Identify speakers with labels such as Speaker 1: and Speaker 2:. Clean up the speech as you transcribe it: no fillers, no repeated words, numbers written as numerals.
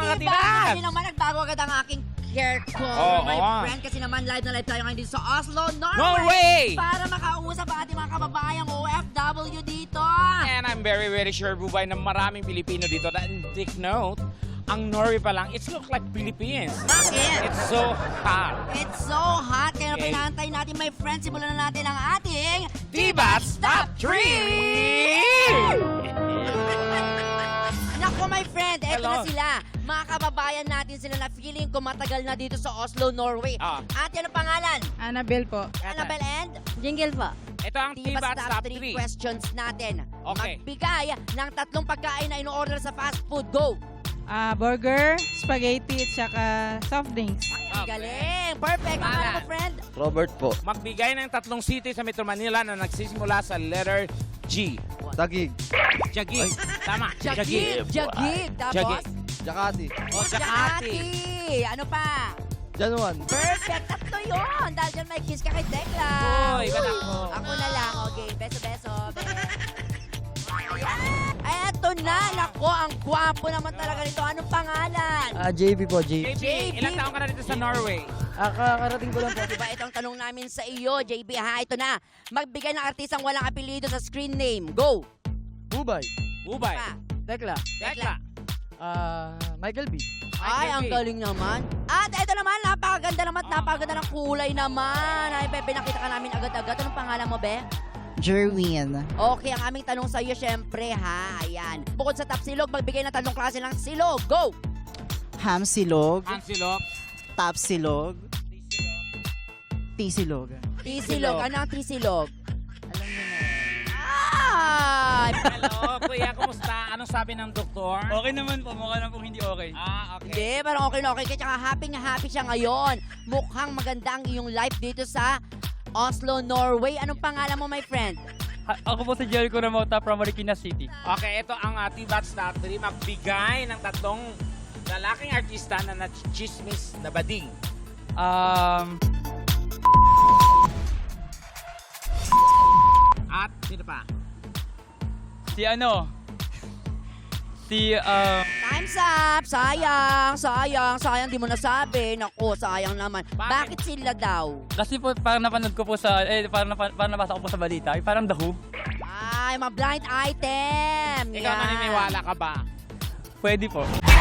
Speaker 1: mga
Speaker 2: Diba?
Speaker 1: tibas.
Speaker 2: Kasi naman nagbago agad ang aking hair ko,
Speaker 1: Oo,
Speaker 2: my
Speaker 1: oo.
Speaker 2: friend. Kasi naman live na live tayo ngayon dito sa Oslo, Norway.
Speaker 1: Norway!
Speaker 2: Para makausap ang ating mga kababayang OFW dito.
Speaker 1: And I'm very, very sure, Bubay, na maraming Pilipino dito. And take note, ang Norway pa lang, it looks like Philippines.
Speaker 2: Bakit?
Speaker 1: It's so hot.
Speaker 2: It's so hot. Kaya
Speaker 1: Okay.
Speaker 2: pinantay natin, my friend. Simulan na natin ang ating
Speaker 1: Tibas Top 3!
Speaker 2: Nako, my friend, eto
Speaker 1: Hello.
Speaker 2: na sila. Mga kababayan natin sila na feeling ko matagal na dito sa Oslo, Norway.
Speaker 1: Ah.
Speaker 2: Ate, ano pangalan?
Speaker 3: Annabelle po.
Speaker 2: Annabelle and
Speaker 4: Jingle po.
Speaker 1: Ito ang
Speaker 2: Tibas
Speaker 1: Tibas
Speaker 2: Top
Speaker 1: Top
Speaker 2: 3
Speaker 1: 3.
Speaker 2: questions natin.
Speaker 1: Okay.
Speaker 2: Magbigay ng 3 pagkain na in-order sa fast food. Go!
Speaker 3: Burger, spaghetti, at saka soft drinks.
Speaker 2: Ang galing! Perfect! Ang
Speaker 1: Pangalan.
Speaker 2: mo, friend?
Speaker 5: Robert po.
Speaker 1: Magbigay ng 3 city sa Metro Manila na nagsisimula sa letter G.
Speaker 5: Tagig.
Speaker 1: Jagig. Tama.
Speaker 2: Jagig! Jagig! Tapos?
Speaker 1: Jagig.
Speaker 5: Jakati.
Speaker 1: O, Jakati.
Speaker 2: Jakati! Ano pa?
Speaker 5: Januan.
Speaker 2: Perfect! Tatlo yun! Dahil dyan may kiss ka kay Tekla.
Speaker 1: Uy, iba na ako.
Speaker 2: Ako na lang. Okay, beso-beso. Eto na! Nako, ang gwapo naman talaga nito. Anong pangalan?
Speaker 5: JB po, JB.
Speaker 1: JB, ilang taon ka na dito sa Norway?
Speaker 5: Kakarating ko lang po.
Speaker 2: Diba ito ang tanong namin sa iyo, JB ha? Ito na. Magbigay ng artisang walang apelido sa screen name. Go!
Speaker 5: Bubay.
Speaker 1: Ubay.
Speaker 2: Pa.
Speaker 5: Tekla.
Speaker 1: Tekla.
Speaker 5: Michael B.
Speaker 2: Ay, ang galing naman. At ito naman, napakaganda naman at napakaganda ng kulay naman. Ay, Be, pinakita ka namin agad-agad. Anong pangalan mo, Be?
Speaker 4: Jerwin.
Speaker 2: Okay, ang aming tanong sa iyo, syempre, ha? Ayan. Bukod sa top silog, magbigay ng 3 klase ng silog. Go!
Speaker 4: Ham silog,
Speaker 1: Ansilog.
Speaker 4: top silog, T-silog.
Speaker 2: T-silog. Ano ang T-silog? Ay!
Speaker 1: Hello, kuya. Kumusta? Anong sabi ng doktor?
Speaker 6: Okay naman po, mukha na po hindi okay.
Speaker 1: Ah, okay.
Speaker 2: Hindi, parang okay na okay. Kaya happy na happy siya ngayon. Mukhang maganda ang iyong life dito sa Oslo, Norway. Anong pangalan mo, my friend?
Speaker 6: Ako po si Jericho Ramota from Marikina City.
Speaker 1: Okay, ito ang Tibas Top 3. Magbigay ng 3 lalaking artista na nachismis na bading. At sino pa?
Speaker 6: Si ano? Si,
Speaker 2: Time's up! Sayang. Di mo nasabi. Naku, sayang naman.
Speaker 1: Bakit?
Speaker 2: Bakit sila daw?
Speaker 6: kasi po parang napanood ko po sa, parang nabasa ko po sa balita, parang The Who.
Speaker 2: Ay, mga blind item.
Speaker 1: Ikaw naniniwala ka ba?
Speaker 6: Pwede po.